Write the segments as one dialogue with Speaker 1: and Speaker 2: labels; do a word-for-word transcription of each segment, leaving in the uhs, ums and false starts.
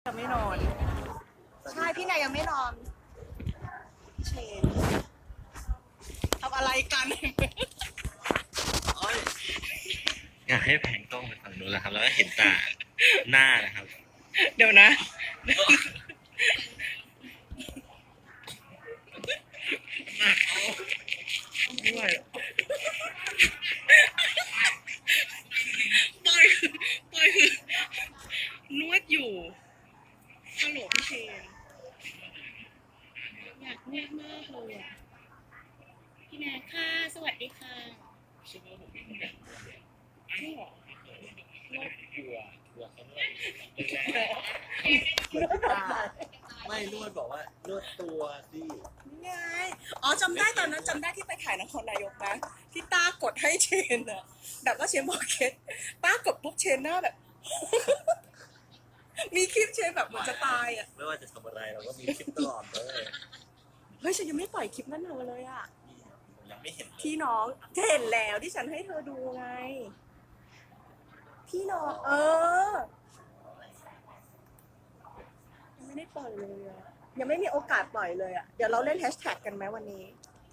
Speaker 1: ยังไม่นอนใช่พี่นายยังไม่นอนเชนทำอะไรกัน
Speaker 2: อยากให้แผงกล้องไปฝั่งนู้นแล้วครับแล้วก็เห็นตาหน้านะครับ
Speaker 1: เดี๋ยวนะไม่ไหวปอยคือปอยคือนวดอยู่ฮัลโหลพี่เชนอยากนวดมากเลยอ่ะพี่แม่ค่ะสวัสดีค่ะจริงเหรอก
Speaker 2: ลัวกลัวเขาไม่นวดบอกว่านวดตัวสิ
Speaker 1: ไงอ๋อจำได้ตอนนั้นจำได้ที่ไปถ่ายนครนายกนะที่ต้ากดให้เชนอะแบบว่าเชนบอกเคสต้ากดปุ๊บเชนหน้าแบบ มีคลิปเชนแบบเหมือนจะตายอะ
Speaker 2: ไม่ว่าจะทำอะไรเราก็มีคลิปตลอดเลย
Speaker 1: เฮ้ยฉันยังไม่ปล่อยคลิปนั้นเลยอะ
Speaker 2: ยังไม่เห็น
Speaker 1: ที่น้องเห็นแล้วที่ฉันให้เธอดูไงที่น้องเออยังไม่ได้ปล่อยเลยอะยังไม่มีโอกาสปล่อยเลยอะเดี๋ยวเราเล่นแฮชแท็กกันไหมวันนี้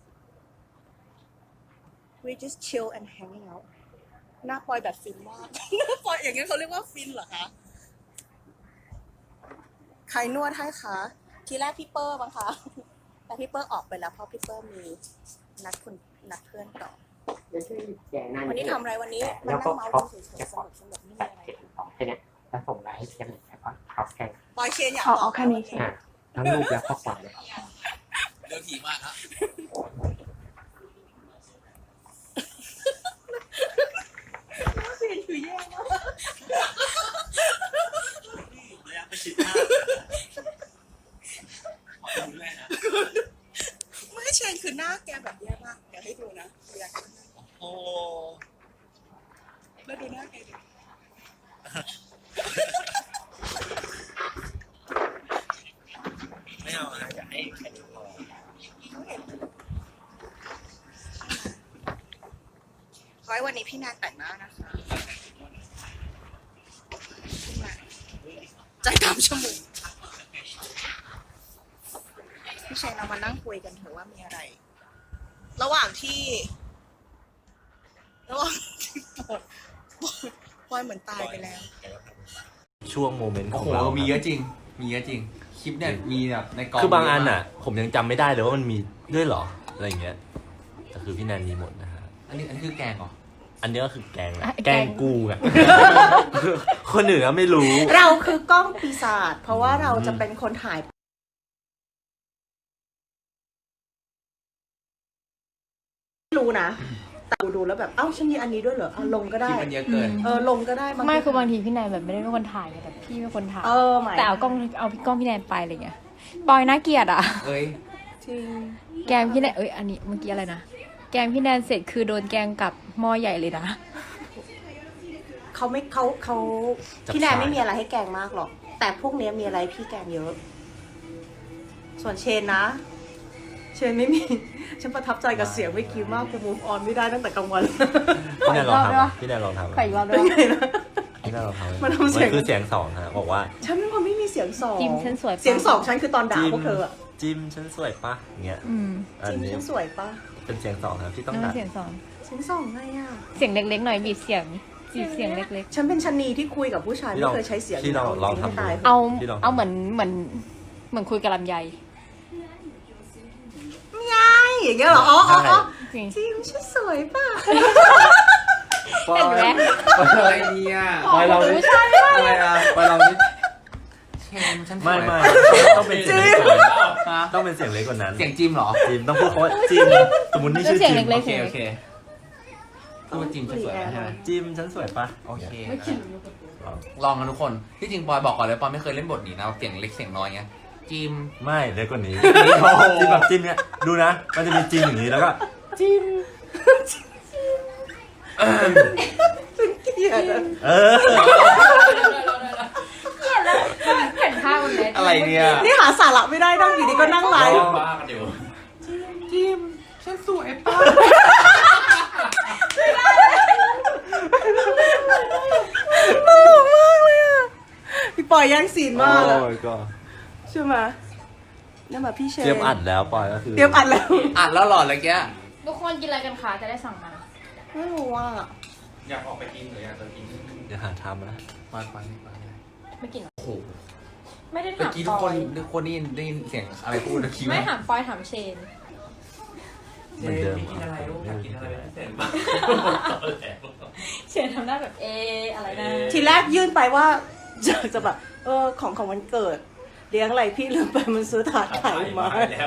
Speaker 1: we just chill and hanging out หน้าปอยแบบฟินมาก หน้าปอยอย่างนี้เขาเรียกว่าฟินเหรอคะใครนวดให้คะทีแรกพี่เปอร์บ้างคะแต่พี่เปอร์ออกไปแล้วเพราะพี่เปอร์มีนัดคุณนัดเพื่อนต่อวันนี้ทำอะไรวันนี้มานั่งเมาส์กันเฉยๆสนุกสนุกไม่มีอะไร
Speaker 3: แค่นี้แล้วส่งไลน์ให้เชนแล้วก็เขาแค่
Speaker 1: ปอยเชนอยาก
Speaker 3: เอาแค่นี้อ่ะทั้งรูปและข้อความเลย
Speaker 2: เรื่องถี่มากครับ
Speaker 1: เสียงคือแย่มาก
Speaker 2: ระยะประชิดมาก
Speaker 1: ไม่เชนคือหน้าแกแบบแย่มากเดี๋ยวให้ดูนะอยาก
Speaker 2: โอ้
Speaker 1: แล้วดูหน้าแกดิ
Speaker 2: ไม่เอานะอยากให้แค่นี้พอ
Speaker 1: ไว้วันนี้พี่นางแต่งหน้านะคะใจดำชั่วโมงพี่เชนเรามานั่งคุยกันเถอะว่ามีอะไรระหว่างที่ระหว่างที่ปอยปอยเหมือนตายไปแล้ว
Speaker 2: ช่วงโมเมนต์ของเรา
Speaker 4: มีเยอะจริงมีเยอะจริงคลิปเนี่ยมีแบบในกอง
Speaker 2: คือบางอันอ่ะผมยังจำไม่ได้เลยว่ามันมีด้วยหรออะไรอย่างเงี้ยแต่คือพี่แนนมีหมดนะฮะ
Speaker 4: อันนี้อันนี้คือแกงเหรอ
Speaker 2: อันนี้ก็คือแกงแหละแกงกูไงคนอื่นก็ไม่รู้
Speaker 1: เราคือกล้องปีศาจเพราะว่าเราจะเป็นคนถ่ายรู้นะแต่ดูแล้วแบบเอ้าฉันมีอันนี้ด้วยเหรอเอาลงก็ได้
Speaker 4: มันเยอะเกิน
Speaker 1: เออลงก็ได้
Speaker 5: ไม่คือบางทีพี่แนนแบบไม่ได้เป็นคนถ่ายแต่พี่เป็นคนถ่าย
Speaker 1: เออหมาย
Speaker 5: แต่เอากล้องเอาพี่กล้องพี่แนนไปอะไรเงี้ยปอยน่าเกลียดอ่ะ
Speaker 4: เอ้ย
Speaker 1: จริง
Speaker 5: แกงพี่แนนเอ้ยอันนี้เมื่อกี้อะไรนะแกงพี่แนนเสร็จคือโดนแกงกับหม้อใหญ่เลยนะ
Speaker 1: เขาไม่เขาเขาพี่แนนไม่มีอะไรให้แกงมากหรอกแต่พวกนี้มีอะไรพี่แกงเยอะส่วนเชนนะเชนไม่มีฉันประทับใจกับเสียงเมื่อกี้มากกูมูฟออนไม่ได้ตั้งแต่กลางวัน
Speaker 2: พี่แนนลองทำพี่แนนลองทำ
Speaker 5: ใครอีกรอบด้วย
Speaker 2: พี่แนนลองทำมันคือเสียงสองฮะบอกว่า
Speaker 1: ฉันเป็นคนไม่มีเสียงสอง
Speaker 5: จิมฉันสวย
Speaker 1: เสียงสองฉันคือตอนด่าพวกเธออะ
Speaker 2: จิมฉันสวยปะเงี้ย
Speaker 1: จิมฉันสวยปะ
Speaker 2: เป็นเสียงสองครับที่ต้องด่า
Speaker 5: เสียงสอง
Speaker 1: เสียงสองไงอะ
Speaker 5: เสียงเล็กๆหน่อยบีบเสียงบีบเสียงเล็ก
Speaker 1: ๆฉันเป็นชนีที่คุยกับผู้ชายไม่เคยใช้เสียง
Speaker 2: ที่เราลองทำ
Speaker 5: เอาเอาเหมือนเหมือนเหมือนคุยกับลำไย
Speaker 1: ไงอย่างเงี้ยเหรออ๋ออ๋อจิมฉันสวยป่ะ
Speaker 5: เห็นไหม
Speaker 4: อะไรเนี่ย
Speaker 2: ไปเราดิ
Speaker 4: อะไรอ่ะไปเราดิเชนฉัน
Speaker 2: ไม่ไม่ต้องเป็นเสียงเล็กต้องเป็นเสียงเล็กกว่านั้น
Speaker 4: เสียงจิมเหรอ
Speaker 2: จิมต้องพูดว่าจิมสมมตินี่ชื่อจิม
Speaker 4: โอเคโอเคพูดจิมฉันสวยใช่ไหม
Speaker 2: จิมฉันสวยปะ
Speaker 4: โอเคลองกันทุกคนที่จริงปอยบอกก่อนเลยปอยไม่เคยเล่นบทนี้นะเสียงเล็กเสียงน้อยเงี้ยจิม
Speaker 2: ไม่เล็กกว่านี้จิมแบบจิมเนี้ยดูนะมันจะมีจิมอย่างนี้แล้วก็จิม
Speaker 1: เกลียด
Speaker 2: เออ
Speaker 5: เกลียดแล้วเห็นภาพมันเลย
Speaker 4: อะไรเนี่ย
Speaker 1: นี่หาสาระไม่ได้นั่งอยู่ดีก็นั่งไลฟ์
Speaker 4: บ้ากันอยู่จิมฉันสวยป่ะ
Speaker 1: ตลกมากเลยอ่ะพี่ปปล่อยแย่งซีนมากอะ
Speaker 2: โอ้ยก็
Speaker 1: ใช่ไหมนี่มาพี่เชน
Speaker 2: เตรียมอัดแล้วปอยก็คือ
Speaker 1: เตรียมอัดแล้ว
Speaker 4: อัดแล้วหลอดอะไรแก
Speaker 5: ทุกคนกินอะไรกันคะจะได้สั่งมา
Speaker 1: ไม่รู้ว่า
Speaker 6: อยากออกไปกินหรืออยากจะกิน
Speaker 2: เดี๋ยวหาทำนะ
Speaker 4: มาไปไป
Speaker 5: ไม่กินหรอ
Speaker 4: โอ้โห
Speaker 5: ไม่ได้
Speaker 4: เมื่อ
Speaker 5: ถาม
Speaker 4: กี้
Speaker 5: ป
Speaker 4: ทุก
Speaker 5: อ
Speaker 4: คน
Speaker 5: ย
Speaker 4: ทุกคนได้ยินได้ยินเสียงอะไรพูดนะคิด
Speaker 5: ไม่
Speaker 4: ว่า
Speaker 5: ถามปอยถามเชน
Speaker 2: เหมือนเดิม
Speaker 6: กินอะไรลูกอยากกินอะไรเป็นพิเศษบ้าง
Speaker 5: เชนทำหน้าแบบเออะไรนะ
Speaker 1: ทีแรกยื่นไปว่า จะจะแบบเออของของวันเกิดเลี้ยงอะไรพี่ลืมไปมันซื้อถาดไข่มา
Speaker 6: แล้ว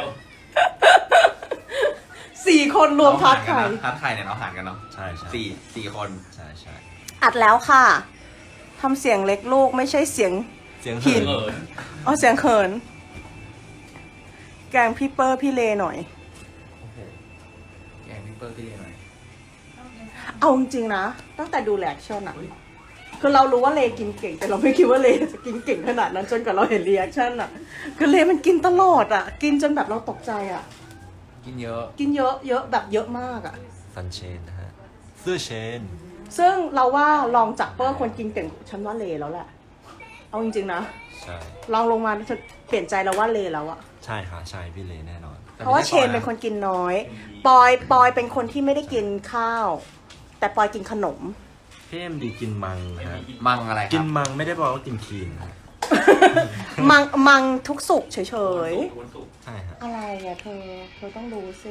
Speaker 1: สี่คนรวมถาดไข่
Speaker 4: ทาดไข่เนี่ยเราหารกันเนาะ
Speaker 2: ใช่ใช่
Speaker 4: สี่สี่คน
Speaker 2: ใช่ใช่
Speaker 1: อัดแล้วค่ะทำเสียงเล็กลูกไม่ใช่เสียง
Speaker 2: เสียง
Speaker 1: หิ
Speaker 2: เหิ
Speaker 1: น
Speaker 2: น
Speaker 6: เออ
Speaker 1: อ๋อเสียงเขิน แกงพี่เปอร์พี่เลหน่อย
Speaker 4: โอ้โหแกงพิเปอร์พี่เรียนหน่อย
Speaker 1: เอาจริงๆนะ ตั้งแต่ดูแลคชั่นอะคือเรารู้ว่าเลกินเก่ง แต่เราไม่คิดว่าเลจะกินเก่งขนาดนั้นจนกว่าเราเห็นรีแอคชั่นอะคือเลมันกินตลอดอะกินจนแบบเราตกใจอะ
Speaker 4: กินเยอะ
Speaker 1: กินเยอะเยอะแบบเยอะมากอะ
Speaker 2: ซันเชนนะฮะเสื้อเชน
Speaker 1: ซึ่งเราว่าลองจากเปอร์คนกินเก่งฉันว่าเลแล้วแหละ เอาจริงๆนะ
Speaker 2: ใช่
Speaker 1: ลองลงมาจะเปลี่ยนใจเราว่าเลแล้วอะ
Speaker 2: ใช่ค่ะใช่พี่เลแน่นอน
Speaker 1: เพราะว่าเชนเป็นคนกินน้อย ปอยปอยเป็นคนที่ไม่ได้กินข้าว แต่ปอยกินขนม
Speaker 2: พี่เอ็มดีกินมังนะฮะ
Speaker 4: มังอะไรค
Speaker 2: กิ
Speaker 4: รั
Speaker 2: น
Speaker 4: บ
Speaker 2: มังไม่ได้บอกว่ากินคลีนนะ
Speaker 1: มังมังทุกสุกเฉย
Speaker 6: วันศุกร์
Speaker 2: ใช่ฮะ
Speaker 1: ๆ อะไรอะเธอ เธอต้องรู้สิ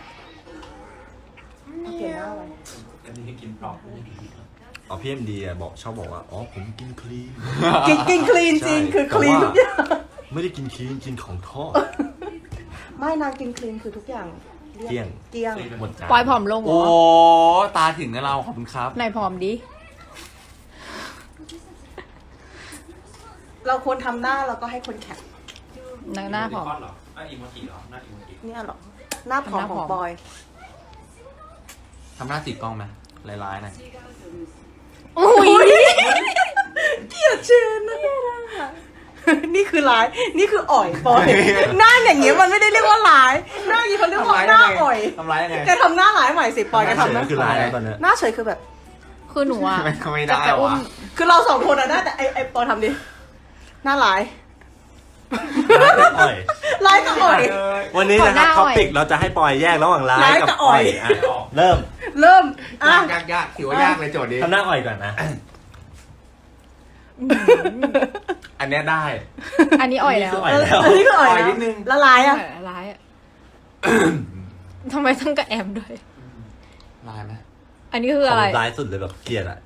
Speaker 1: เอาเปลี่ยนหน้าไว้
Speaker 6: อันนี้กินปลอก
Speaker 2: อ๋อพี่เอ็มดีอะบอกชอบบอกว่าอ๋อผมกินคลีน
Speaker 1: กินกินคลีนจริง
Speaker 2: ใช่
Speaker 1: คือคลีน
Speaker 2: แต่ว่า
Speaker 1: ทุกอย่าง
Speaker 2: ไม่ได้กินคลีนกินของทอด
Speaker 1: ไม่นางกินคลีนคือทุกอย่างรี
Speaker 2: เกลี้ยง
Speaker 1: เกลี้ยง
Speaker 2: หมดจาน
Speaker 5: ปอยผอมลงเหร
Speaker 4: โอ้
Speaker 5: อ
Speaker 4: ตาถึงนะเราขอบคุณครับ
Speaker 5: ไหนผอมดิ
Speaker 1: เราควรทำหน้าแล้วก็ให้คนแคป
Speaker 5: หน้าหน้าผอม
Speaker 6: เหรอหน้าอีโมจิเหรอหน้าอีโมจิ
Speaker 1: เนี่ยเหรอ หน้าผอม
Speaker 5: หน้า
Speaker 1: ข
Speaker 5: ผ
Speaker 1: อ
Speaker 5: อง ม
Speaker 1: ปอย
Speaker 4: ทำหน้าติดกล้องไหมลายๆหน่อย
Speaker 1: อุ้ยเกลียดเชนนะนี่คือร้าย นี่คืออ่อยปอย หน้าอย่างเงี้ยมันไม่ได้เรียกว่าร้าย หน้าอย่างงี้เขาเรียกว่าหน้าอ่อย
Speaker 4: ทำร้ายยังไง
Speaker 1: แกทำหน้าร้ายใหม่สิปอยแกทำหน้า
Speaker 2: ก็คือร้ายแล้วตอนเนี้ย
Speaker 1: หน้าเฉยคือแบบ
Speaker 5: คือหนูอ่ะ
Speaker 4: ไม่ไม่
Speaker 5: จะ
Speaker 4: ได้
Speaker 5: ไปอุ้ม
Speaker 4: วะ
Speaker 1: คือเราสองคนอะได้แต่ไอไอปอยทำดิ หน้าร้าย
Speaker 2: อ่อย
Speaker 1: ร้ายกับอ่อย
Speaker 2: วันนี้นะครับ
Speaker 5: ขอหน้าอ่
Speaker 2: ท็อ
Speaker 5: อย
Speaker 2: ปิกเราจะให้ปอยแยกระหว่างร้าย
Speaker 1: ร้ายกั
Speaker 2: กั
Speaker 1: บบ อ่
Speaker 2: อ่
Speaker 1: อ
Speaker 2: อย ยอ่ะเริ่ม
Speaker 1: เริ่ม อ่ะ
Speaker 4: ยากยากยากถือว่ายากเลยโจทย์นี้
Speaker 2: ทำหน้าอ่อยก่อนนะ
Speaker 4: อันเนี้ยได้
Speaker 5: อันนี้อ่อยแล้ว
Speaker 2: อ่อยแล้ว
Speaker 1: อันนี้คืออ่อย
Speaker 4: อ่อย
Speaker 1: แล้ว
Speaker 4: นิดนึง
Speaker 1: แล้วร้าย
Speaker 5: อ่
Speaker 1: อะ
Speaker 5: อยร้ายอ่ะ ทำไมต้องกระแอมด้วย
Speaker 4: ลายไหม
Speaker 5: อันนี้คืออะไร
Speaker 2: ของร้ายสุดเลยแบบเกลียดอ่ะ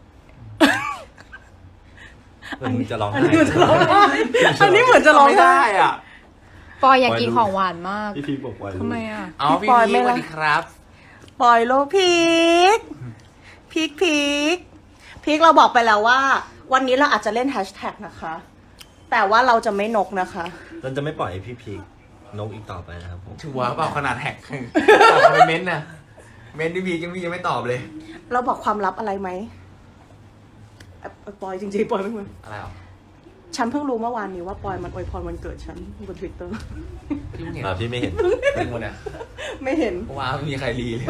Speaker 2: เหมือนมึงจะร้อง
Speaker 1: อัน
Speaker 2: ไห้
Speaker 1: นี้เหมือนจะร้องไห้อันนี้เหมือนจะร้อง
Speaker 4: ไม่
Speaker 1: ไห้
Speaker 4: ได้อ่ะ
Speaker 5: ปอยอยากกินของหวานมาก
Speaker 2: พี่พีบอกไว้
Speaker 5: ทำไมอ่ะ
Speaker 4: เอา
Speaker 1: พี่
Speaker 4: พี่
Speaker 1: ปอย
Speaker 4: พี
Speaker 1: ไม่
Speaker 4: ส
Speaker 1: ละ
Speaker 4: วัสดีครับ
Speaker 1: ปล่อยโลพีกพีกพีกพีกเราบอกไปแล้วว่า วันนี้เราอาจจะเล่นแฮชแท็กนะคะ แต่ว่าเราจะไม่นกนะคะ
Speaker 2: เราจะไม่ปล่อยให้พี่พีกนกอีกต่อไปนะครับผม
Speaker 4: ชัวร์เปล่าขนาดแท็กตอบมาเป็นเม้นต์นะเม้นต์พี่พียังพี่ยังไม่ตอบเลย
Speaker 1: เราบอกความลับอะไรไหมเอ่อปอยจริงๆปอยไม่เหมือน
Speaker 4: อะไรหรอ
Speaker 1: ฉันเพิ่งรู้เมื่อวานนี้ว่าปอยมันอวยพรวันเกิดฉันบนทวิตเตอร์
Speaker 4: พี่เพิ่งเห็น
Speaker 2: อ่าพี่ไม่เห็น
Speaker 4: เป็นคนเนี่ย
Speaker 1: ไม่เห็น
Speaker 4: ว้าวไม่มีใครรีเลย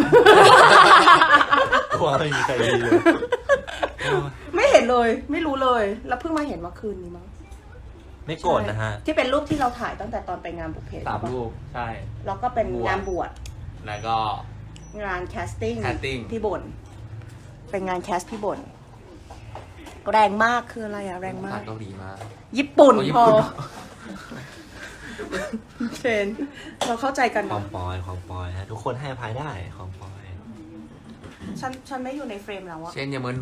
Speaker 2: กลัวไม่มีใครดีเลย
Speaker 1: ไม่เห็นเลย ไม่รู้เลย แล้วเพิ่งมาเห็นเมื่อคืนนี้มั้ง
Speaker 2: ไม่โกรธนะฮะ
Speaker 1: ที่เป็นรูปที่เราถ่ายตั้งแต่ตอนไปงานบุพเพ
Speaker 4: สามรูปใช่
Speaker 1: แล้วก็เป็นงานบวช
Speaker 4: แล้วก็
Speaker 1: งานแคสติ้ง
Speaker 4: casting
Speaker 1: พี่บนเป็นงานแคสพี่บนแรงมากคืออะไรอะแรงมา
Speaker 4: ภาก ษเกาหลีมา
Speaker 1: ญี่ปุ่น
Speaker 4: โอ้ญี่
Speaker 1: พอ
Speaker 4: ปุ่น
Speaker 1: เชนเราเข้าใจกัน
Speaker 2: ความปอยความปอยฮะทุกคนให้อภัยได้ความปอย
Speaker 1: ฉันฉันไม่อยู่ในเฟรมแล้วอะ
Speaker 4: เช่นอยาเหมือนหนู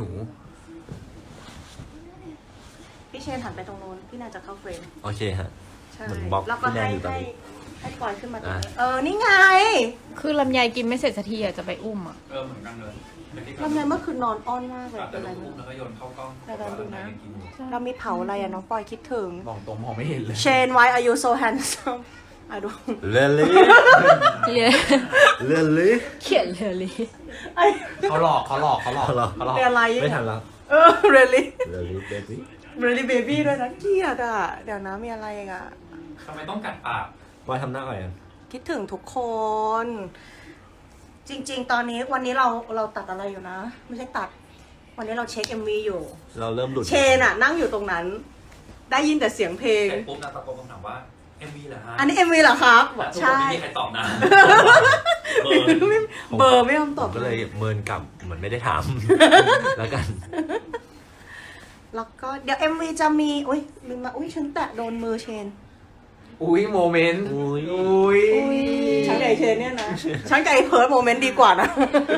Speaker 1: พี่เชนหันไปตรงโน้นพี่น่าจะเข้าเฟรม
Speaker 2: โอเคฮะ
Speaker 1: ใช่
Speaker 2: เหมือนบล็อก
Speaker 1: แล้วก็
Speaker 2: พี่แนน
Speaker 1: ให้
Speaker 2: อยู่ตอน
Speaker 1: ให้
Speaker 2: นี้
Speaker 1: ให้ปล่อยขึ้นมาตรงนี้
Speaker 2: อ่ะ
Speaker 1: เออนี่ไง
Speaker 5: คือลำไยกินไม่เสร็จสักทีอ่ะจะไปอุ้มอ่ะ
Speaker 6: เออเหมือนกันเลย
Speaker 1: ทำไมเมื่อคืนนอนอ้อนมากเลย
Speaker 6: แต่
Speaker 1: เป็นไร
Speaker 6: ลูก
Speaker 1: ไม่
Speaker 6: แล้วก็โยนเข้ากล้อง
Speaker 1: แต่เราดูนะ
Speaker 6: กินอยู่
Speaker 1: เรามีเผาอะไรอะน้องปอยคิดถึง
Speaker 4: บอกตรงมองไม่เห็นเลย
Speaker 1: เชน why are you so handsome อ่ะดู
Speaker 2: เรลลี่
Speaker 5: เรียน
Speaker 2: เรลลี่
Speaker 5: เขียนเรียนลี
Speaker 1: ไอ้
Speaker 4: เขาหลอกเขาหลอกเขาหลอก
Speaker 2: เขาหลอก
Speaker 4: เขาหลอก
Speaker 1: เรียนอะไร
Speaker 2: ไม่ทันแล้ว
Speaker 1: เออ really
Speaker 2: เรลลี่เบบี้
Speaker 1: really baby ด้วยนะเกลียดอ่ะ เดี๋ยวนะมีอะไรอีกอ่ะ
Speaker 6: ทำไมต้องกัดปาก
Speaker 2: ปอยทำหน้าอ่อยกัน
Speaker 1: คิดถึงทุกคน จริง ๆ ตอนนี้วันนี้เราเราตัดอะไรอยู่นะ ไม่ใช่ตัด วันนี้เราเช็ค เอ็ม วี อยู่
Speaker 2: เราเริ่มหลุด
Speaker 1: เชนอ่ะ นั่งอยู่ตรงนั้นได้ยินแต่เสียงเพลง
Speaker 6: เสร็จปุ๊บนางตะโกนคำถามว่า เอ็ม วี เหรอฮะ
Speaker 1: อันนี้เอ็มวีเหรอครับ
Speaker 6: แล้วทุกคน
Speaker 1: ใช่
Speaker 6: ไม่มีใครตอบนะเออ
Speaker 1: เบอร์ไม่ยอมต
Speaker 2: ผ
Speaker 1: อบ
Speaker 2: มก็เลยเมินกลับเหมือนไม่ได้ถาม แล้วกัน
Speaker 1: แล้วก็เดี๋ยว เอ็ม วี จะมีอุ้ยลืมมาอุ้ยฉันแตะโดนมือเชน
Speaker 4: อุ้ยโมเมนต์
Speaker 2: อุ๊ย
Speaker 4: อุ้ย
Speaker 1: ฉันกับไอเชนเนี่ยนะ ฉันกับไอเพิร์ดโมเมนต์ดีกว่านะ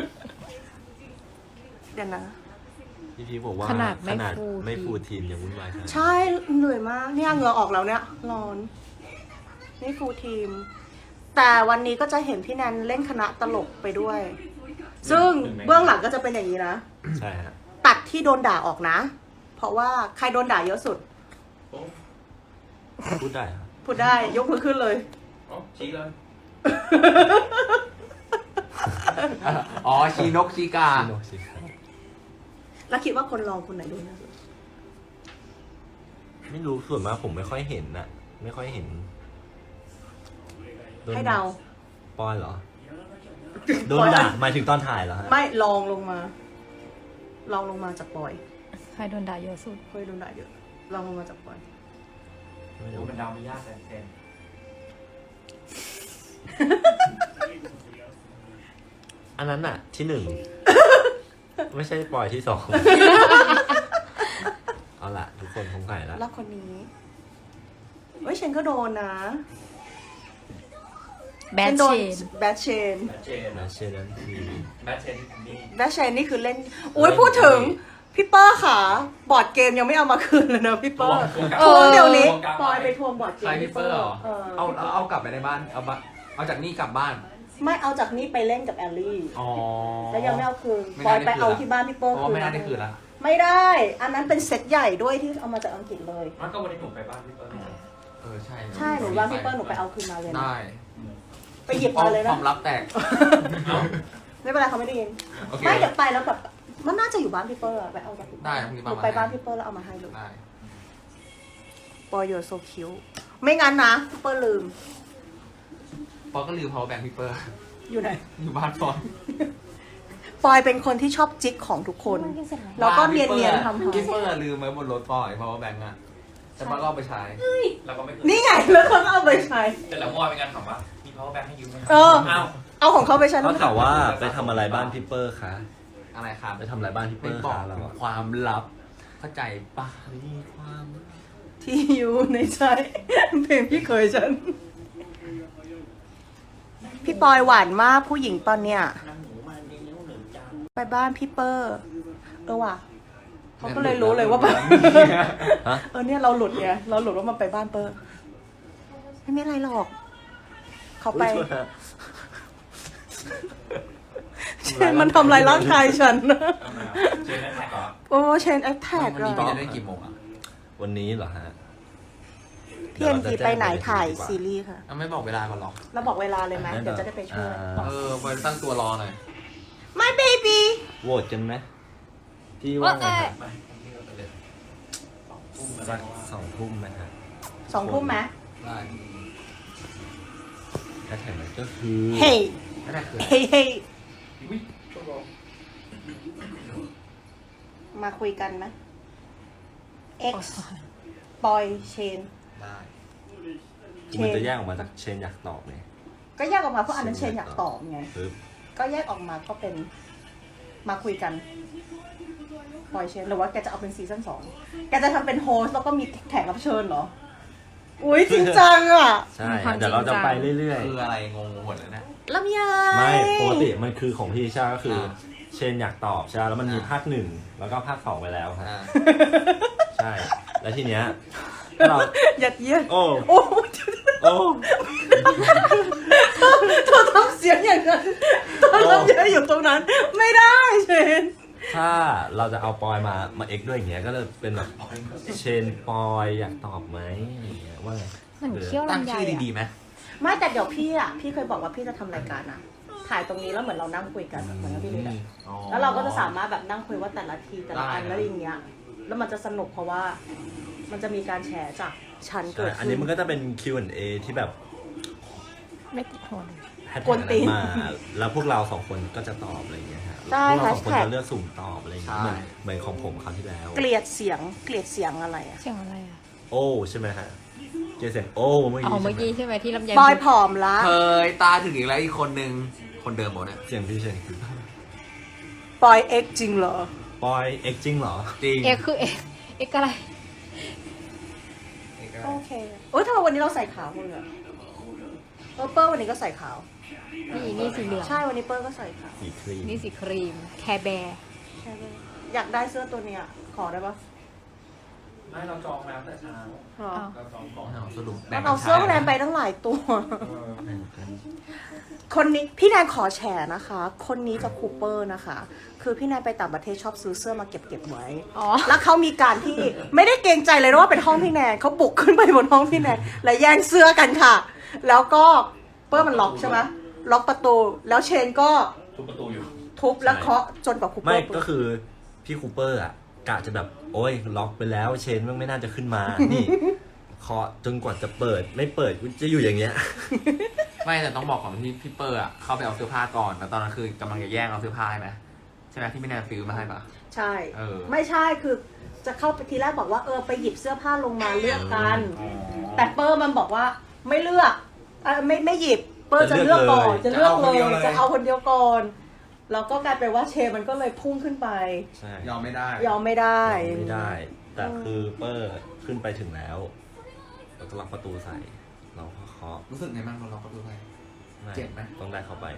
Speaker 1: เดี๋ยวนะ
Speaker 2: พี่พีบอกว่า
Speaker 5: ขนาดไม่
Speaker 2: ขนาด
Speaker 5: ฟูล
Speaker 2: ไม่
Speaker 5: ทีม
Speaker 2: ฟูลทีมยังวุ่นวายขนาดนั้น
Speaker 1: ใช่เหนื่อยมากเนี่ยเหงื่อออกแล้วเนี่ยร้อน นี่ฟูลทีม แต่วันนี้ก็จะเห็นพี่แนนเล่นคณะตลกไปด้วย ซึ่งเบื้องหลังก็จะเป็นอย่างนี้นะ
Speaker 2: ใช่ฮะ
Speaker 1: ตัดที่โดนด่าออกนะ เพราะว่าใครโดนด่าเยอะสุด
Speaker 6: โอ้
Speaker 2: พูดได้ครับ
Speaker 1: พูดได้ยกมือขึ้นเลย
Speaker 6: โอ้ชี้เลย
Speaker 4: อ๋อชีนกชีกา
Speaker 2: ชิโนชิครับ
Speaker 1: แล้วคิดว่าคนลองคนไหนโดนเยอะสุด
Speaker 2: ไม่รู้ส่วนมากผมไม่ค่อยเห็นนะไม่ค่อยเห็นโน
Speaker 1: ให้เดา
Speaker 2: ปอยเหรอ โดนด่าหมายถึงตอนถ่ายเหรอฮะ
Speaker 1: ไม่ลองลงมา ลองลงมาจากปอย
Speaker 5: ใครโดนด่าเยอะสุด
Speaker 1: เคยโดนด่าเยอะ ลองลงมาจากปอย
Speaker 2: ไม่
Speaker 6: โอ้
Speaker 2: รู้
Speaker 6: เป็นดาวไม่ยากแต่เซน
Speaker 2: อันนั้นน่ะ ที่หนึ่ง ไม่ใช่ปอยที่สอง เอาล่ะ ทุกคนคงไก่แล้ว
Speaker 1: แล้วคนนี้เฮ้ยเชนก็โดนนะ
Speaker 5: แบท
Speaker 1: โด
Speaker 5: เช
Speaker 1: น
Speaker 5: น
Speaker 1: แบทเชน
Speaker 6: แบทเชน
Speaker 2: นะเชนนั้นคือ
Speaker 6: แบทเชนนี่
Speaker 1: แบทเชนนี่คือเล่นอุ้ยพูดถึง พี่เปอร์ค่ะ บอร์ดเกมยังไม่เอามาคืนเลยนะพี่เปอร์
Speaker 6: ทวง
Speaker 1: ทวงเดี๋ยวนี้
Speaker 6: ทวงกลาง
Speaker 1: ปอยไปทวงบอร์ดเก
Speaker 4: ใคร
Speaker 1: ม
Speaker 4: พี่เปอร์เหรอ
Speaker 1: เออ
Speaker 4: เอาเอาเอากลับไปในบ้าน เอาบะเอาจากนี่กลับบ้าน
Speaker 1: ไม่เอาจากนี่ไปเล่นกับแอลลี่
Speaker 4: อ๋อ
Speaker 1: แล้วยังไม่เอาคืน
Speaker 4: ไม่
Speaker 1: ปอย
Speaker 4: น่า
Speaker 1: ไป
Speaker 4: ได้คืน
Speaker 1: เอา
Speaker 4: ละ
Speaker 1: ที่บ้านพี่เปอร์
Speaker 4: เพราะว่าไม่น่าได้คืนละ
Speaker 1: ไม่ได้ อันนั้นเป็นเซตใหญ่ด้วยที่เอามาจากอังกฤษเลย
Speaker 6: มันก็วันนี้หนูไปบ้านพี่เปิ้ล
Speaker 4: เออใช่
Speaker 1: ใช่หนูว่าพี่เปอร์หนูไปเอาคืนมาเลยนะ
Speaker 4: ได้
Speaker 1: ไปหยิบมาเลย
Speaker 4: ค
Speaker 1: นะ
Speaker 4: วามลับแตก
Speaker 1: ไม่เป็นไรเขาไม่ได้ยิน
Speaker 4: โอเค
Speaker 1: ไม่เดี๋ยวไปแล้วแบบมันน่าจะอยู่บ้านพี่เปอร์อะไปเอาจากพี่เปอร์
Speaker 4: ได้พรุ่งนี้
Speaker 1: ห
Speaker 4: ป้า
Speaker 1: นู
Speaker 4: มา
Speaker 1: ไปบ้าน
Speaker 4: ให้
Speaker 1: พี่เปอร์แล้วเอามาให้เลย
Speaker 4: ได้
Speaker 1: ปอยโยโซคิวไม่งั้นนะพี่เปอร์ลืม
Speaker 4: ปอก็ลืม power bank พี่เปอร์
Speaker 1: อยู่ไหน
Speaker 4: อยู่บ้านปอน
Speaker 1: ปอยเป็นคนที่ชอบจิกของทุกคน แล้วก็เนียนเนียนๆทำ
Speaker 4: พี่
Speaker 1: ทำ
Speaker 4: เปอร์ลืมไว้บนรถปอย power bank อะแต่ป้าก็เอาไปใช้
Speaker 6: แล้วก็ไม่คืน
Speaker 1: นี่ไงแล้วเขาก็เอาไปใช้
Speaker 6: แต่แล้วเมื่อวานเป็นการถามว่ามี power bank ให้ยืมไหม
Speaker 1: เออ
Speaker 6: อ้าว
Speaker 1: เอาของเขาไปใช้
Speaker 2: เขา
Speaker 1: แล้ว
Speaker 2: ถามว่าไปทำอะไรบ้านพี่เปอร์คะ
Speaker 4: อะไรครับ
Speaker 2: ไปทำอะไรบ้านพี่เป
Speaker 4: ไม่
Speaker 2: อร์
Speaker 4: บอก
Speaker 2: คะเราอะ
Speaker 4: ความลับ เข้าใจปะ
Speaker 2: มีความ
Speaker 1: ที่อยู่ในใจเพลงพี่เคยฉัน พี่ปอยหวานมากผู้หญิงตอนเนี้ยไปบ้านพี่เปอร์เออว่ะเขาก็เลยรู้เลยว่าแบบ
Speaker 2: ฮะ
Speaker 1: เออเนี่ยเราหลุดไงเราหลุดว่ามันไปบ้านเปอร์ไม่มีอะไรหรอก เขาไป
Speaker 2: อุ๊ยโทษนะ
Speaker 1: เชนมันทำลายร่างกายฉันนะ
Speaker 6: เชนได้แท็กเหรอ
Speaker 1: โอ้เชนแอคแท็ก
Speaker 4: วัน
Speaker 1: อะ
Speaker 4: นี้พี่จะได้กี่โมงอะ
Speaker 2: วันนี้เหรอฮะ
Speaker 1: พี่เอ็มจีไปไหนถ่ายซีรีส์ค่ะ
Speaker 4: เอาไม่บอกเวลาก่อนหรอก
Speaker 1: เราบอกเวลาเลยไหมเดี๋ยวจะได้ไปช่วย
Speaker 2: อ่า
Speaker 4: เออไปตั้งตัวรอหน่อย
Speaker 1: My baby
Speaker 2: โหวตกันไหมพี่ว่าไงครับ
Speaker 6: ไม่พี่ก็ไปเลยสองทุ่ม
Speaker 2: สักสองทุ่มไหมฮะ
Speaker 1: สองทุ่มไหม
Speaker 4: ได้
Speaker 2: แฮชแท็กนั้นก็คือ
Speaker 1: เฮ้ย
Speaker 4: ไม่ได้คือ
Speaker 1: เฮ้ยเฮ้ย
Speaker 6: อุ้ยต้องรอ
Speaker 1: มาคุยกันไหม X ปอยเชน
Speaker 4: ได้
Speaker 2: มันจะแยกออกมาจากเชนอยากตอบไง
Speaker 1: ก็แยกออกมาเพราะอันนั้นเชนอยากตอบไง
Speaker 2: ปึ๊บ
Speaker 1: ก็แยกออกมาก็เป็น มาคุยกันปอยเชนหรือว่าแกจะเอาเป็นซีซั่นสองแกจะทำเป็นโฮสต์แล้วก็มีแขกรับเชิญเหรอ อุ้ยจริงจังอ่ะ
Speaker 2: ใช่ เดี๋ยวเราจะไปเรื่อย
Speaker 4: คืออะไรงงหมดเลยนะ
Speaker 1: ลำไย
Speaker 2: ๆ ไม่ปกติมันคือของพี่ชาก็คือ
Speaker 4: อ่า
Speaker 2: เชนอยากตอบใช่ไหมแล้วมันมี
Speaker 4: อ่า
Speaker 2: ภาคหนึ่งแล้วก็ภาคสองไปแล้วครับ
Speaker 4: อ่า
Speaker 2: ใช่ แล้วทีเนี้ยถ้าเรา
Speaker 1: ยัดเยียด
Speaker 2: โอ้
Speaker 1: โอ้
Speaker 2: โอ้
Speaker 1: เธอทำเสียงอย่างนั้นเธอทำเยอะอยู่ตรงนั้น ไม่ได้เชน
Speaker 2: ถ้าเราจะเอาปอยมา มาเอ็กด้วยอย่างเงี้ย ก็เลยเป็นแบบเชนปอยอยากตอบไหมอะไรอย่างเงี้ยว่าไง
Speaker 5: เหมือนเคี้ยว
Speaker 4: ตั้ง
Speaker 5: ลำไย
Speaker 4: ชื่อ
Speaker 5: อะ
Speaker 4: ดีๆไหม
Speaker 1: ไม่แต่เดี๋ยวพี่อ่ะ พี่เคยบอกว่าพี่จะทำรายการนะถ่ายตรงนี้แล้วเหมือนเรานั่งคุยกันเหมือนกับพี่เลยอะ
Speaker 4: อ๋อ
Speaker 1: แล้วเราก็จะสามารถแบบนั่งคุยว่าแต่ละทีแต่ละอัน
Speaker 4: ได้
Speaker 1: แล้วอย่างเงี้ย แล้วมันจะสนุกเพราะว่า มันจะมีการแชร์จากชั้นเกิ
Speaker 2: ใช่
Speaker 1: ด
Speaker 2: อัน
Speaker 1: ขึ้
Speaker 2: นี้
Speaker 1: น
Speaker 2: มันก็จะเป็น คิว แอนด์ เอ ที่แบบ
Speaker 5: ไม่ติดหัวเลย
Speaker 2: แฮช
Speaker 1: กวน
Speaker 2: แท็ก
Speaker 1: ตีน
Speaker 2: มา แล้วพวกเราสองคนก็จะตอบอะไรอย่างเงี้ยฮะ
Speaker 1: ใช่
Speaker 2: พวกเราสองคน
Speaker 1: แฮชแท็ก
Speaker 2: จะเลือกสุ่มตอบอะไรอย่างเงี้ยเหมือนเหมือนของผมคราวที่แล้ว
Speaker 1: เกลียดเสียงเกลียดเสียงอะไรอ่ะ
Speaker 5: เสียงอะไรอะ
Speaker 2: โอ้ใช่ไหมฮะเจเสียงโอ้เมื่อ
Speaker 5: อ๋อ
Speaker 2: กี้
Speaker 5: เมื่อกี้
Speaker 2: ใช่ไหม
Speaker 5: ใช่ไหมที่ลำไย
Speaker 1: ปอยผอมละ
Speaker 4: เคยตาถึงอีกแล้วอีกคนนึงคนเดิมหมดเนี่ย
Speaker 2: เสียงพี่เชน
Speaker 1: ปอยเอ็กจริงเหรอ
Speaker 2: ปอยเอ็กจริงเหรอ
Speaker 4: จริง
Speaker 5: เอ็กคือเอ็กเอ็กอะไร
Speaker 1: โอเคโอ้ยทำไมวันนี้เราใส่ขาวหมดเลยอะเออเปิ้ลวันนี้ก็ใส่ขาว
Speaker 5: นี่นี่สีเหลือง
Speaker 1: ใช่วันนี้เปิ้ลก็ใส่ขาว
Speaker 2: สีครีม
Speaker 5: นี่สีครีม แคร์แบร์
Speaker 1: ใช่ไหมอยากได้เสื้อตัวเนี้ยขอได้ปะ
Speaker 6: ไม่เราจองแล้วแต่เช้า
Speaker 1: หรอ
Speaker 6: เราจองก่อน
Speaker 4: เอาสรุป
Speaker 1: มันเอาเสื้อแนนไปตั้งหลายตัว
Speaker 6: เออ
Speaker 1: คนนี้พี่แนนขอแชร์นะคะ คนนี้จะคูเปอร์นะคะ คือพี่แนนไปต่างประเทศชอบซื้อเสื้อมาเก็บเก็บไว้
Speaker 5: อ๋อ
Speaker 1: แล้วเขามีการที่ไม่ได้เกรงใจเลยนะว่าเป็นห้องพี่แนนเขาบุกขึ้นไปบนห้องพี่แนนและแย่งเสื้อกันค่ะ แล้วก็เปิ้ลมันล็อกใช่ไหมล็อกประตู แล้วเชนก็
Speaker 6: ทุบประตูอยู่
Speaker 1: ทุบแล้วเคาะจนกว่าคูเปอ
Speaker 2: ไม่
Speaker 1: ร์
Speaker 2: ก็คือพี่คูเปอร์อ่ะกะจะแบบโอ้ยล็อกไปแล้วเชนมันไม่น่าจะขึ้นมา นี่เคาะจนกว่าจะเปิดไม่เปิดกูจะอยู่อย่างเงี้ย
Speaker 4: ไม่แต่ต้องบอกของที่พี่เปอร์อ่ะเข้าไปเอาเสื้อผ้าก่อนแล้วตอนนั้นคือกำลังจะแย่งเอาเสื้อผ้าใช่ไหมใช่ไหมที่ไม่แนนซื้อมาให้ปะ
Speaker 1: ใช่
Speaker 4: เออ
Speaker 1: ไม่ใช่คือจะเข้าไปทีแรกบอกว่าเออไปหยิบเสื้อผ้าลงมาเลือกกัน
Speaker 6: อ๋อ
Speaker 1: แต่เปอร์มันบอกว่าไม่เลือกเอ่อไม่ไม่หยิบเปอร์จะเลือกก่อนจะเลือกเลยจะเอาคนเดียวก่อนแล้วก็กลายเป็นว่าเชมันก็เลยพุ่งขึ้นไป
Speaker 2: ใช่
Speaker 4: ยอมไม่ได้
Speaker 1: ยอมไม่ได้
Speaker 2: ไม่ได้ แต่คือเปอร์ขึ้นไปถึงแล้วเราก็ล็อกประตูใส่ เราก็เคาะ
Speaker 4: รู้สึกไงบ้างเราล็อกประตูไป
Speaker 2: ไม่
Speaker 4: เจ็บไหม
Speaker 2: ต้องได้เข้าไป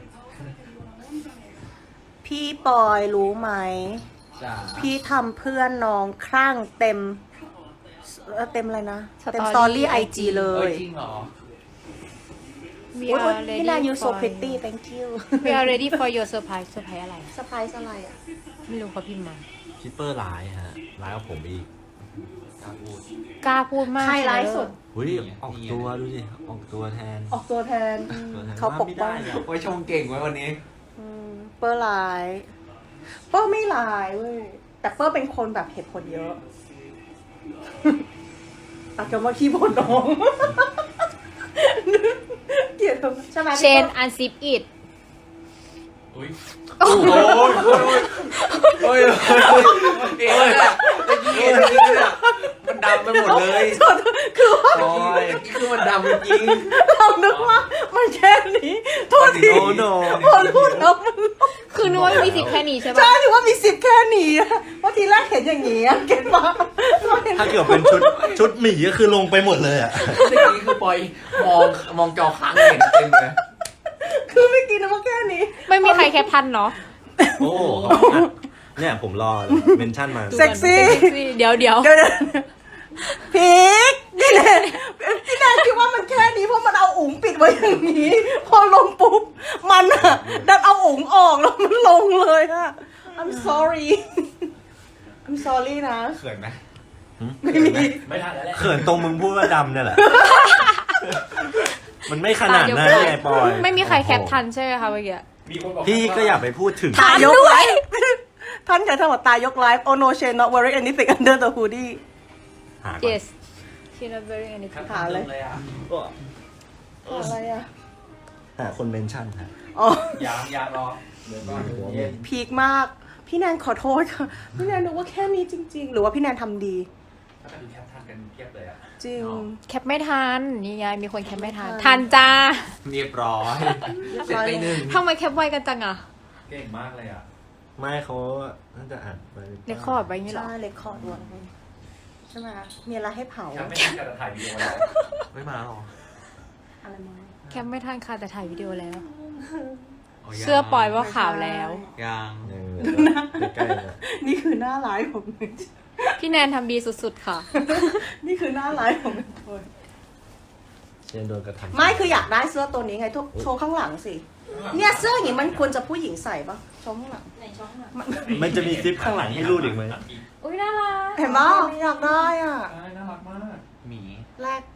Speaker 1: พี่ปอยรู้ไหม
Speaker 4: จ้า
Speaker 1: พี่ทำเพื่อนน้องครั่งเต็มเอ่อเต็มอะไรนะ เต็มส
Speaker 5: Story
Speaker 1: ตอรี่ไอจีเล
Speaker 4: เอ้
Speaker 1: ย
Speaker 4: ยจริงเหรอ
Speaker 5: We
Speaker 1: อุ๊ย
Speaker 5: are
Speaker 1: พี่นา
Speaker 5: ready
Speaker 1: ยู so
Speaker 5: for
Speaker 1: pretty thank you
Speaker 5: We are ready for your surprise surprise อะไร
Speaker 1: สไปซ์อะไรอ่ะ
Speaker 5: ไม่รู้เขาพิมพ์มา
Speaker 2: พี่เปอร์ร้ายฮะร้ายกว่าผมอีก
Speaker 4: กล้าพูด
Speaker 5: กล้าพูดมาก
Speaker 1: ใครร้ายสุด
Speaker 2: หุ้ยออกตัวดูดิออกตัวแทน
Speaker 1: ออกตัวแทน
Speaker 2: ตัวแทน
Speaker 1: เขาปกป้อง
Speaker 2: ไม่ได้อะ
Speaker 4: โอ้ยชงเก่งไว้วันนี้
Speaker 1: อืมเปอร์ร้าย เปอร์ไม่ร้ายเว้ย แต่เปอร์เป็นคนแบบเหตุผลเยอะ ตักกันว่าขี้บ่นน้อง เกลียดเขาใช่ไหม
Speaker 5: เชนอันซิปอิด
Speaker 6: อุ้ย
Speaker 4: โอ้ยโอ้ยโอ้ยโอ้ยเอ๊ะตะกี้ตะกี้เนี่ยมันดำไปหมดเลย
Speaker 1: คือว่า
Speaker 4: โอ้ยคือมันดำจริง
Speaker 1: เรานึกว่ามันแค่นี้โทษที
Speaker 2: โอ้โน
Speaker 1: พอรู้แล้วมัน
Speaker 5: คือนึกว่ามีสิทธิ์แค่นี้ใช่
Speaker 1: ใช่
Speaker 5: ปะ
Speaker 1: ถือว่ามีสิบแค่นี้อะเพราะทีแรกเห็นอย่างนี้อะเก็ตปะ
Speaker 2: ถ้าเกิดเป็นชุดชุดหมีก็คือลงไปหมดเลยอ่ะ
Speaker 4: ตะกี้คือปอยมองมองจอค้างเห็นเต็มเลย
Speaker 1: คือไม่กินนะว่าแค่นี้
Speaker 5: ไม่มีใครแคปทันเนาะ
Speaker 2: โอ้เนี่ยผมรอเมนชั่นมา
Speaker 1: เซ็กซี่
Speaker 5: เซ็กซี่เดี๋ยวเดี๋ยว
Speaker 1: เดี๋ยวๆพีกพี่แนนพี่แนนคิดว่ามันแค่นี้เพราะมันเอาอุ๋งปิดไว้อย่างนี้ พอลงปุ๊บมันอะดันเอาอุ๋งออกแล้วมันลงเลยอะ I'm sorry I'm sorry นะ
Speaker 4: เขินไหม
Speaker 1: ไม่มี
Speaker 6: ไม่ทันแล้วแหละ
Speaker 2: เขินตรงมึงพูดว่าดำเนี่ยแหละ มันไม่ขนาดนั้นไงปอย
Speaker 5: ไม่มีใครแคปทันใช่ไหมคะเมื่อกี้
Speaker 6: มีคนบอก
Speaker 2: พี่ก็อย่าไปพูดถึง
Speaker 1: ตายกไลฟ์ท่านใช้ทั้งหมดตายกไลฟ์ Oh no shade not wearing anything under the hoodie
Speaker 2: หาก่อน
Speaker 5: yes she not very anything
Speaker 1: หาเลย
Speaker 6: เลยอ่ะ
Speaker 1: อะไรอะ
Speaker 2: หาคนเมนชั่นค่ะ
Speaker 1: อ๋อ
Speaker 6: ยางยางรอเดี๋ยวก่อนเย็น
Speaker 1: พีคมาก พี่แนนขอโทษค่ะ พี่แนนนึกว่าแค่นี้จริง ๆ หรือว่าพี่แนนทำดี
Speaker 6: ถ้าเป็นแคปทันกันเทียบเลยอ่ะ
Speaker 1: จริง
Speaker 5: แคปไม่ทัน นี่ไงมีคนแคปไม่ทัน ทันจ้า
Speaker 4: เรียบร้อยเสร็จไปหนึ่ง
Speaker 5: ทำไมแคปไวกันจังอะ
Speaker 6: เก่งมากเลยอ่ะ
Speaker 2: ไม่เขาน่าจะอ่านไป
Speaker 5: เรคคอร์ดไว้อย่างนี้เหรอ
Speaker 1: ใช่เลคคอร์ดไว้ใช่ไหมคะมีอะไรให้เผา
Speaker 6: แคปไม่ทันกันแต่ถ่ายวีดีโอแล้ว
Speaker 4: ไม่มาหรอ
Speaker 1: อะไรมา
Speaker 5: แคปไม่ทันค่ะแต่ถ่ายวิดีโอแล้ว
Speaker 4: ยัง
Speaker 5: เสื้อปล่อยว่าขาวแล้ว
Speaker 4: ยัง
Speaker 2: เออใกล้ๆนะ
Speaker 1: นี่คือหน้าร้ายผม
Speaker 5: พี่แนนทำดีสุดๆค่ะ
Speaker 1: นี่คือหน้าร้ายผมคน
Speaker 2: เชนโดนกระทำ
Speaker 1: ไม่คืออยากได้เสื้อตัวนี้ไงทุกโชว์ข้างหลังสิ เนี่ยเสื้ออย่างนี้มันควรจะผู้หญิงใส่ปะโชว์ข้างหลัง
Speaker 2: มันจะมีซิปข้างหลังให้รูดอีกไหม
Speaker 5: อุ้ยน่ารัก
Speaker 1: เห็นปะอยากได้อ่ะ
Speaker 6: ใช่น่ารักมาก
Speaker 4: หมี
Speaker 1: แลก